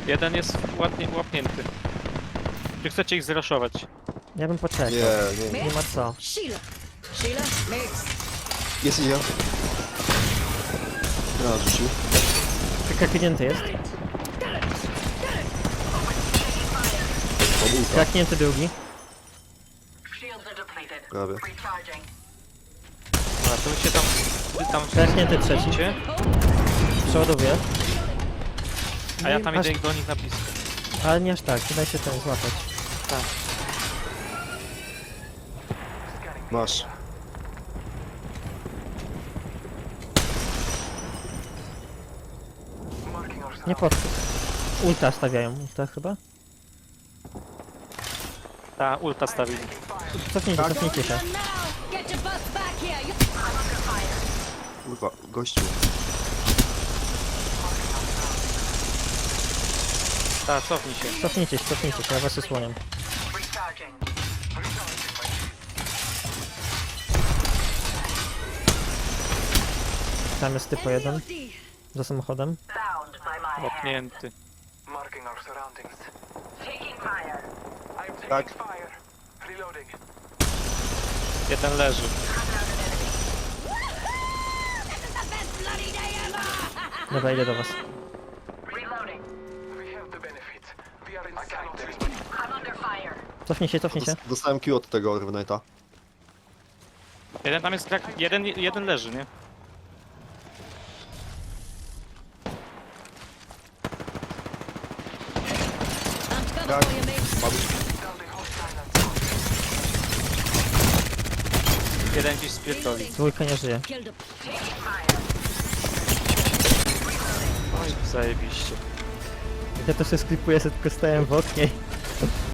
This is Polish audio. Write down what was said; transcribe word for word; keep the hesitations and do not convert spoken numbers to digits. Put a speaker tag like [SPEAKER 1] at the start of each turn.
[SPEAKER 1] Jeden jest ładnie łapnięty. Czy chcecie ich zraszować?
[SPEAKER 2] Ja bym poczekał.
[SPEAKER 3] Nie, nie.
[SPEAKER 2] Nie ma co.
[SPEAKER 4] Sheila. Sheila, mix.
[SPEAKER 3] Jest idzie. Raz rzucił.
[SPEAKER 2] Kraknięty jest.
[SPEAKER 3] Pomółka.
[SPEAKER 2] Kraknięty drugi.
[SPEAKER 5] Shields are depleted.
[SPEAKER 3] Prawie.
[SPEAKER 5] Recharging.
[SPEAKER 1] A to wy się tam... Wy tam
[SPEAKER 2] Kraknięty trzeci.
[SPEAKER 1] Widzicie?
[SPEAKER 2] Przeładowuję.
[SPEAKER 1] A ja tam
[SPEAKER 2] Aż-
[SPEAKER 1] idę do nich na blisko.
[SPEAKER 2] Ale nie aż tak, nie daj się ten złapać.
[SPEAKER 1] Tak.
[SPEAKER 3] Masz.
[SPEAKER 2] Nie podchodź. Ulta stawiają, ulta chyba?
[SPEAKER 1] Ta ulta stawili.
[SPEAKER 2] Cofnijcie,
[SPEAKER 3] Tak.
[SPEAKER 2] cofnijcie się.
[SPEAKER 4] Now, get your butts back here. You
[SPEAKER 3] Kurwa, gościu.
[SPEAKER 1] Ta, cofnij się.
[SPEAKER 2] Cofnijcie się, cofnijcie się, ja was osłaniam.
[SPEAKER 5] Recharging.
[SPEAKER 2] Tam jest typo jeden, za samochodem.
[SPEAKER 5] Bound by my hand.
[SPEAKER 1] Łapnięty.
[SPEAKER 6] Marking our surroundings.
[SPEAKER 5] Taking fire.
[SPEAKER 6] I am taking
[SPEAKER 3] Tak.
[SPEAKER 6] fire. Reloading.
[SPEAKER 1] Jeden leży.
[SPEAKER 2] Dobra, idę do was.
[SPEAKER 5] Reloading.
[SPEAKER 6] We have the benefits. We are inside the ring.
[SPEAKER 5] I'm under fire.
[SPEAKER 2] Cofnij się, cofnij się.
[SPEAKER 3] Dos- Dostałem Q od tego Revenite'a.
[SPEAKER 1] Jeden tam jest krak... Jeden, jeden leży, nie?
[SPEAKER 4] I'm coming
[SPEAKER 3] Tak.
[SPEAKER 4] for you, mate.
[SPEAKER 3] Padł.
[SPEAKER 6] Down the hostile and sound.
[SPEAKER 1] Jeden gdzieś spierdoli.
[SPEAKER 2] Dwójka nie żyje.
[SPEAKER 4] Killed him.
[SPEAKER 5] Taking fire.
[SPEAKER 1] Oj, zajebiście.
[SPEAKER 2] Ja to się sklipuję, sobie tylko stałem w oknie.